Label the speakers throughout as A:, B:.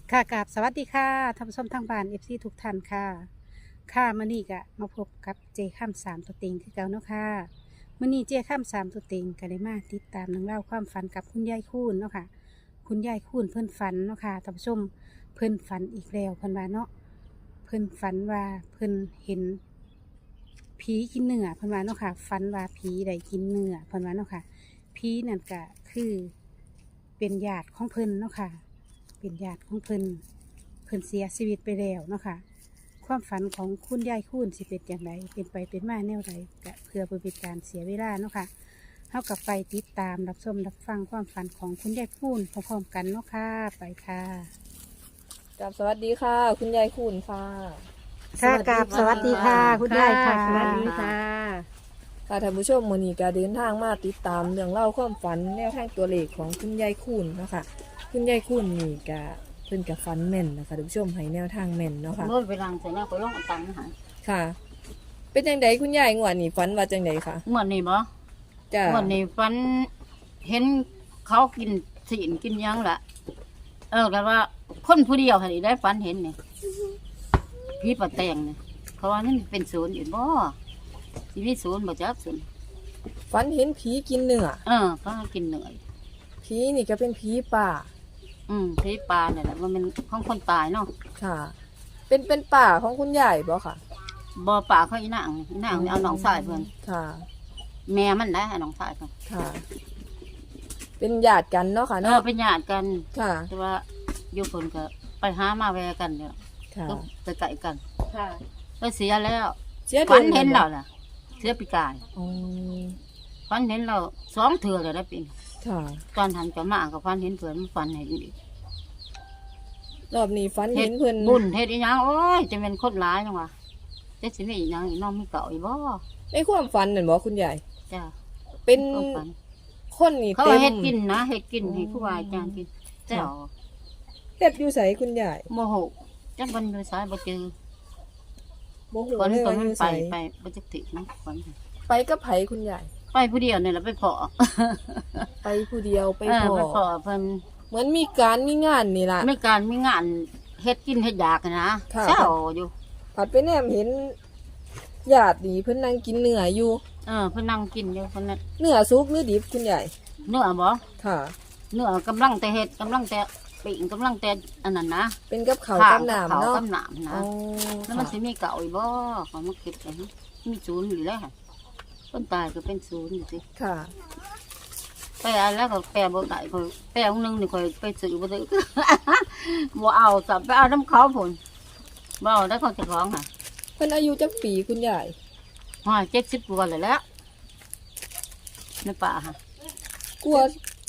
A: ค่ะกับสวัสดีค่ะท่านผู้ชมทางบ้านเอฟซีทุกท่านค่ะค่ะมื้อนี้ก็มาพบกับเจข้ามสามตัวเต็งคือเก่าเนาะค่ะมื้อนี้เจข้ามสามตัวเต็งก็ได้มาติดตามเรื่องเล่าวความฝันกับคุณยายคูนเนาะค่ะคุณยายคูนเพิ่นฝันเนาะค่ะท่านผู้ชมเพิ่นฝันอีกแล้วเพิ่นว่าเนาะเพิ่นฝันว่าเพิ่นเห็นผีกินเนื้อเพิ่นว่าเนาะค่ะฝันว่าผีได้กินเนื้อเพิ่นว่าเนาะค่ะผีนั่นก็คือเป็นญาติของเพิ่นเนาะค่ะ เป็นญาติของเพิ่นเสียชีวิตไปแล้วเนาะค่ะความฝันของคุณยายคูนสิเป็นอย่างไรเป็นไปเป็นมาแนวใดก็เพื่อบ่เป็นการเสียเวลาเนาะค่ะเฮากับไปติดตามรับชมรับฟังความฝันของคุณยายคูนพร้อมๆกันเนาะค่ะไปค่ะ
B: กับสวัสดีค่ะ คุณยายคุณค่ะ
A: ค่ะกับสวัสดีค่ะคุณยายค่ะ
C: สวัสดีค่ะ
B: ค่ะท่านผู้ชมมื้อนี้ก็เดินทางมาติดตามเรื่องเล่าวความฝันแนวทางตัวเลขของคุณยายคุณเนาะค่ะคุณยายคุณนี่ก็เพิ่นก็ฝันแม่นนะคะท่านผู้ชมให้แนวทางแม่นเนาะค่ะ
C: เมื่อไปรังเสร็จแล้วก็ลงเอาตังค์มาใหา
B: ค่ะ เป็นจังไดคุณยายงวดนี้ฝันว่าจังไดคะ
C: เมื่อนี่บ่
B: จ้า
C: เมื่อนี่ฟันเห็นเขากินสีนกินหยังละแต่ว่าคนผู้เดียวค่ะนี่ได้ฟันเห็นนี่พี่ปะแตงนี่เขาว่ามันเป็นศูนย์อยู่บ่ชีวิตศูนย์บ่จักศูนย์
B: ฝันเห็นผีกินเนื้อ
C: เขากินเหนื่อย
B: ผีนี่ก็เป็นผีป่า
C: พี่ปลาเนี่ยแหละว่ามันของคนตายเนาะ
B: ค่ะ เป็นป่าของคุณยายบ่ค่ะ
C: บ่ป่าเขาอีนางนี่เอาน้องชายเพิ่น
B: ค่ะ
C: แม่มันได้ให้น้องชายเพิ่น
B: ค่ะ เป็นญาติกันเนาะค่ะเนาะ
C: เป็นญาติกัน
B: ค่ะ
C: แต่ว่าอยู่คนก็ไปหามาแวกันเนี่ย
B: ค่ะ
C: ก็ไปไก่กัน
A: ค่ะ
C: ก็เสียแล้ว
B: เสีย
C: ฝัน
B: ดวง
C: เห็น
B: บ่
C: เราล่ะ เสียปีกาย
B: อ๋อ
C: ฝันเห็นเรา2 เทื่อเลยได้ปีน
B: ค่ะ
C: ตอนทันจะมาก็ฝันเห็นเพื่อนมันฝันเห็นอีก
B: รอบนี้ฝันเห็นเพิ่น
C: บุญเฮ็ดอีหยังโอ้ยจะเป็นคนร้ายจังวะจะสิมีอีหยังอีน้องมีเก่าอีบ่
B: ในความฝันนั่นบ่คุณยาย
C: จ้า
B: เป็น
C: ก็ฝัน
B: คนนี่
C: เขา
B: เต็
C: ว่าม เฮ็ดกินนะเฮ็ดกินให้ครูบาอาจารย์กินเจ้า
B: เฮ็ดอยู่ไสคุณยาย
C: โมโหจักวันอยู่สายบ่เจอ
B: บ่ฮู้
C: ฝัน
B: เลย
C: ตอ
B: ว่าน อ
C: มัน
B: ยู่
C: ไป
B: ไส
C: บ่จักตินะฝัน
B: ไปกับไผคุณยาย
C: ไปผู้เดียวนี่แหละไปพอ
B: ไปผู้เดียวไป
C: ไป
B: พ่อ
C: พอเพิ่น
B: เหมือนมีการมีงานนี่ล่ะ
C: ไม่การมีงานเฮ็ดกินเฮ็ดอยากนะ
B: ค่ะ
C: เจ้าอยู่
B: ผัดไปแนมเห็นญาตินี่เพิ่นนั่งกินเนื้ออยู่
C: เพิ่นนั่งกินอยู่เพิ่นน่ะ
B: เนื้อสุกหรือดิบคุณยาย
C: เนื้อบ่
B: ค่ะ
C: เนื้อกำลังแต่เฮ็ดกำลังแต่ปิ้งกำลังแต่อันนั้นนะ
B: เป็นกับข้าว
C: ข้
B: กับน้ำ
C: ข้าว
B: เนาะ
C: กับน้ำนะ
B: อ๋อ
C: แล้วมัน
B: ค่ะ
C: สิมีเก่าอีกบ่ขอมาคิดเลยนะมีศูนย์อยู่แล้วค่ะคนตายก็เป็นศูนย์อยู่สิ
B: ค่ะ
C: ไปอันแล้วก็แปลบ่ได้ก็แปลองนึงนี่ค่อยไปซื้อบ่ได้ บ่เอาสับไปเอาน้ำเขาพุ่นบ่เอาได้ของเจ้าของค่ะ
B: เพิ่นอายุจักปีคุณยาย
C: ว่า70กว่าแล้วแหละในป่าค่ะ
B: กลัว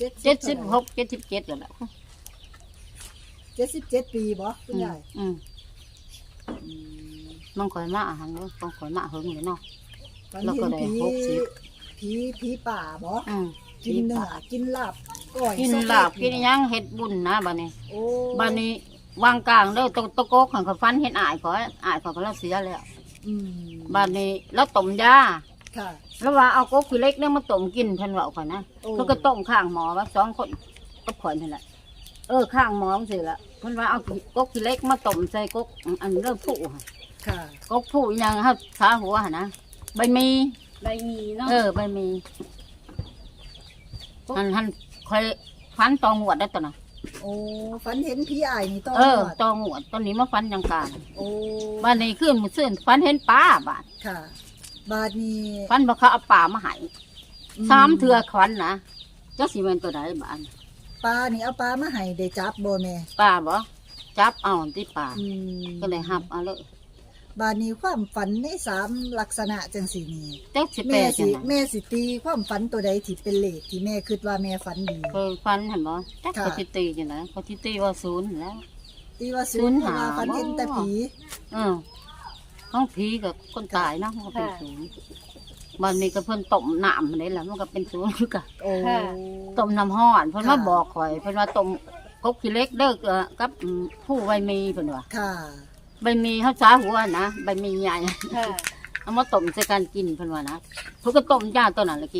C: 76 77แล้วแหละ
D: 77 ปีบ่คุณยาย
C: มันคอยมาอาหารเนาะต้องคอยมาเฮิงเลยเนาะ
D: ฝัน
C: แล้ว
D: เห็
C: ก็
D: น
C: ได้
D: ผี ผีป่าบ่
C: อืม
D: กินเนื้อกินลาบก้อย
C: กิน
D: ส้ม
C: ลาบกินอิหยังเฮ็ดบุญนะบัดนี้
D: โอ้
C: บัดนี้วางกลางเด้อตะโกกหันเขาฟันเห็นอายขออายขอก็แล้วเสียแล้ว
D: อืม
C: บัดนี้แล้วต้มยา
D: ค่ะ
C: แล้วว่าเอากกขี้เล็กเนี่ยมาต้มกินเพิ่นว่าข่อยนะ
D: โอ้
C: แล้วก็ต้มข้างหมอว่า2 คนก็ข่อยนั่นแหละข้างหมอจังซี่ล่ะเพิ่นว่าเอากกขี้เล็กมาต้มใส่กกอันเริ่มผู้ค่ะ
D: ค่ะ
C: กกผู้อีหยังเฮาขาหัวหั่นนะใบมี
A: ใบมีเนาะ
C: ใบมีหันคอยฟันตองหวดได้ตัวน่ะ
D: โอ้ฝันเห็นผีอ้ายนี่ต่อ
C: ตองหวดตอนนี้มาฟันยังกลาง
D: โอ้
C: บ้านนี้ขึ้นมือซื่นฟันเห็นป้าบ้าน
D: ค่ะ บาดนี้
C: ฟันบอกเขาเอาป่ามาให้3 เทื่อควันนะจักสิเป็นตัวใดบ้าน
D: ปลานี่เอาปลามาให้ได้จับบ่แม่
C: ป้าบ่จับเอาที่ป่า
D: อืม
C: ก็เลยหับเอาเลย
D: บาดนี้ความฝันใน3ลักษณะจังซี่นี่
C: จักสิแปล
D: แม่
C: จั
D: สิ
C: งได
D: แม่สิตีความฝันตัวใดที่เป็นเลขที่แม่คิดว่าแม่ฝันดี
C: เคยฟันเห็นบ่จัก
D: ค่ะ
C: ก็สิตีจังไดก็สิตีว่า0แล้ว
D: ตีว่า
C: ศู
D: ศู
C: น
D: น
C: ย์
D: ย์เพราะว่า
C: หา
D: ฝันเห็นแต่ผี
C: ห้องผีกับคนตายเนาะมันก็เป็นศูนย์บ้านนี้ก็เพิ่นต้มน้ำมันได้แหละมันก็เป็นศูนย์คือกัน
D: โอ้
C: ต้มน้ำห้อนเพิ่นมา
D: ค่ะ
C: บอกข่อยเพิ่นว่าต้มกบขี้เล็กเด้อกับผู้ใบมีเพิ่นว่า
D: ค่ะ
C: ใบมีเฮาสาหัวนะใบมีใหญ่
A: ค่ะ
C: เอามาต้มใส่กันกินเพิ่นว่านะเพิ่นก็ต้มยาตัวนั้นแล้วกิน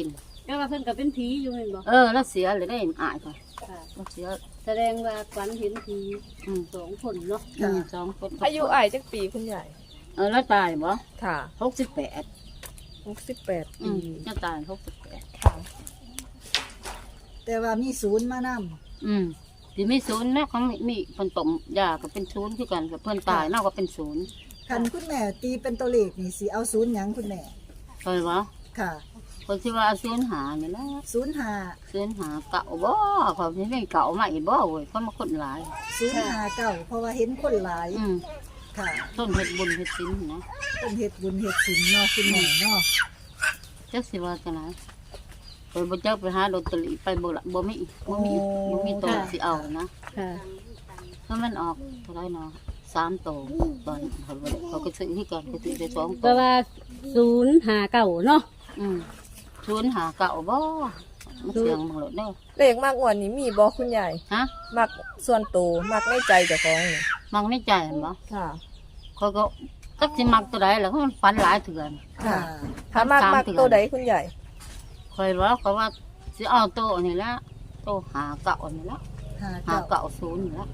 A: แล้วว่าเพิ่นก็เป็นผีอยู่แม่นบ่
C: แล้วเสียเลยได้อายค่ะ
A: ค่ะ
C: แล้วเสีย
A: แสดงว่าฝันเห็นผี 2 คนเนาะ
C: สองคน
B: อายุอ้ายจักปีคุณยาย
C: แล้วตายบ่
B: ค่ะ
C: 68
B: 68 ปี
C: จะตาย68
B: ค่ะ
D: แต่ว่ามีศูนย์มาน
C: ที่มีศูนย์นะเขามีเพิ่นต้มยาก็เป็นศูนย์คือกันกับเพิ่นตายเนาะก็เป็นศูนย์
D: ำคันคุณแม่ตีเป็นตัวเลขนี่สิเอาศูนย์หยังคุณแม่
C: เคยบ่
D: ค่ะ
C: คนที่ว่าศูนย์หานี่แหละ
D: 05
C: ศูนย์หาเก่าบ่เขาสิได้เก่ามาอีกบ่เว้ยเขามาคนหลาย
D: 059เพราะว่าเห็นคนหลาย ค่ะ
C: ต้นเฮ็ดบุญเฮ็ดศีลนะ
D: เป็นเฮ็ดบุญเฮ็ดศีลเนาะคุณแม่เนาะ
C: จักสิว่าจังได๋ไปบ่จักไปหาลอตเตอรี่ไปบ่ละบ่มีตัวสิเอานะ
A: ค่ะ
C: ถ้ามันออกเท่าไหร่เนาะ3ตัวตอนเขาก็ซื้อที่ก่อนก็ซื้อได้2
A: เพ
C: ตัว
A: ราะว่า059เนาะ
C: ศูนย์หาเก่าบ่มันเสียงบังโลดเด้อ
B: เลขมากกว่านี้มีบ่คุณยาย
C: ฮะ
B: มักส่วนตัวมักในใจเจ้าของนี่
C: มังในใจเห็นบ่
B: ค่ะ
C: เขาก็จักสิมักตัวใดแล้วก็มันฝันหลายเถื่อน
D: ค่ะ
B: ถ้ามัก
C: สาม
B: มัก
C: เดือน
B: ตัวใดคุณยาย
C: คอยว่าเขาว่าสิเอาโตะนี่ละโตะหาเก่านี่ละหาเก่าศูนย์นี่ละ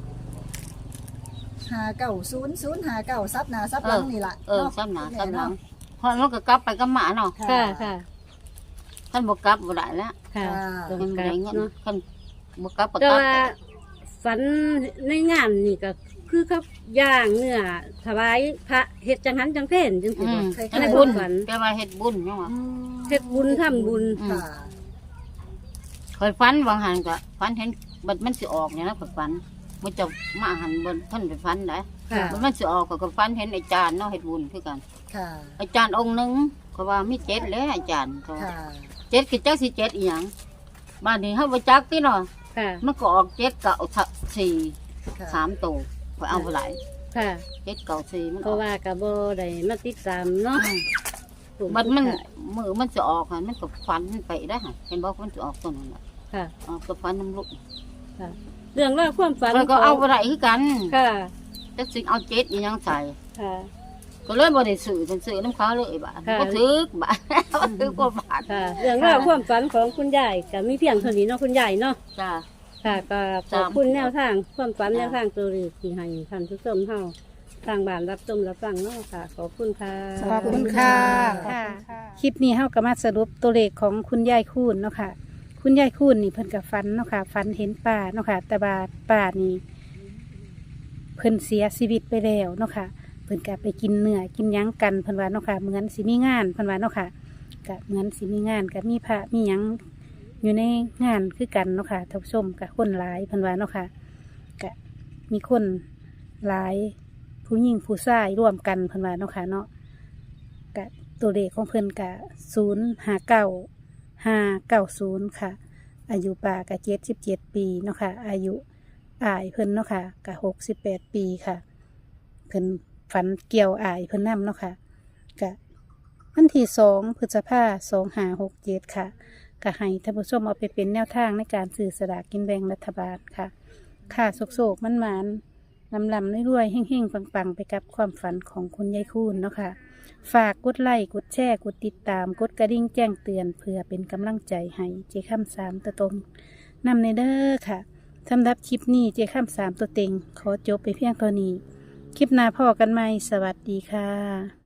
D: 590 ซับหน้าซับหลังนี่ล่ะ
C: ซ้ำหน้าซ้ำหลังเพราะมันก็กลับไปกับหมาเนาะ
A: ค่ะค่ะ
C: ท่านบ่กลับบ่ได้แล้ว
A: ค่ะตรง
C: มัน
A: กั
C: ได้
A: น
C: เงิน
A: เนาะ
C: คันบ่กลับก็
A: แต่
C: ตัด
A: ว่าฝันในงานนี่ก็คือกับย่างเนื้อถวายพระเฮ็ดจังหันจังเพนจังซี่บ่
C: อันนี้บุญแปลว่าเฮ็ดบุญจังว่า
A: เฮ็ดบุญทำบุญ
D: ค่ะ
C: คอยฝันบางหันก็ฝันเห็นบัดมันสิออกเนี่ยนะข้อยฝันมันจะมาหันบนท่านไปฝันได้
A: ค่ะ
C: มันสิออกก็ฝันเห็นอาจารย์เนาะเฮ็ดบุญคือกัน
D: ค่ะ
C: อาจารย์องค์หนึงเขาว่ามี7แล้วอาจารย์เขา
D: ค่ะ
C: 7คือจักสิ7อีหยังบ้านนี้เฮาบ่จักติเนาะ
A: ค่ะ
C: มันก็ออก7กับ4
D: ค่ะ
C: 3ตัวข่อยเอาบ่หลาย
A: ค่ะ
C: 7กับ4มัน
A: เพ
C: ออ
A: ราะ
C: ก
A: ว่าก็บ่ได้มาติดตามเนาะ
C: บัดมันมือมันสิออกหั่นมันก็ฝันไปได้หั่นเห็นบ่มันสิออกตัวนั้นน่ะ
A: ค่ะ
C: ออกก็ฝันน้ำลูก
A: เรื่องราวความฝัน
C: แล้วก็เอาบ่ได้คือกัน
A: ค่ะ
C: จักสิเอา7อีหยังใส่
A: ค่ะ
C: ก็เลยบ่ได้ซื้อเป็นซื้อน้ำเขาเลยบาท
A: ค่ะ
C: บ่ถือกบาท บ่ถือกว่าบาท
A: ค่ะ เรื่องราวความฝันของคุณยายก็มีเพียงเท่านี้เนาะคุณยายเนาะ
C: จ้า
A: ค่ะก็ขอบคุณแนวทางความฝันแนวทางตัวเลขที่ให้ท่านผู้ชมเฮาทางบ้านรับชมรับฟังเนาะค่ะ ขอบคุณค่ะ
D: ขอบคุณค่ะ
A: คลิปนี้เฮาก็มาสรุปตัวเลขของคุณยายคูณเนาะค่ะ คุณยายคูณนี่เพิ่นก็ฝันเนาะค่ะฝันเห็นป่าเนาะค่ะ แต่ว่าป่านี่เพิ่นเสียชีวิตไปแล้วเนาะค่ะ เพิ่นก็ไปกินเนื้อกินหยังกันเพิ่นว่าเนาะค่ะเหมือนสิมีงานเพิ่นว่าเนาะค่ะก็เหมือนสิมีงานก็มีพระมีหยังอยู่ในงานคือกันเนาะค่ะท่านผู้ชมก็คนหลายเพิ่นว่าเนาะค่ะก็มีคนหลายผู้หญิงผู้ชายร่วมกันเพิ่นว่าเนาะค่ะเนาะก็ตัวเลขของเพิ่นก็059590ค่ะ อายุป่าก็77 ปีเนาะค่ะอายุอายเพิ่นเนาะค่ะก็68 ปีค่ะ เพิ่นฝันเกี่ยวอายเพิ่นนำเนาะค่ะกะวันที่2 พฤษภาคม 2567 ค่ะก็ให้ท่านผู้ชมเอาไปเป็นแนวทางในการซื้อสลากกินแบ่งรัฐบาลค่ะ ค่ะโศกๆมันๆลำๆรวยๆเฮ่งๆปังๆ ไปกับความฝันของคุณยายคูณเนาะค่ะ ฝากกดไลค์กดแชร์กดติดตามกดกระดิ่งแจ้งเตือนเพื่อเป็นกำลังใจให้เจค่ำ3ตัวตรงนำในเด้อค่ะสำหรับคลิปนี้เจค่ำ3ตัวเต็งขอจบไปเพียงเท่านี้ คลิปหน้าพ่อกันไหมสวัสดีค่ะ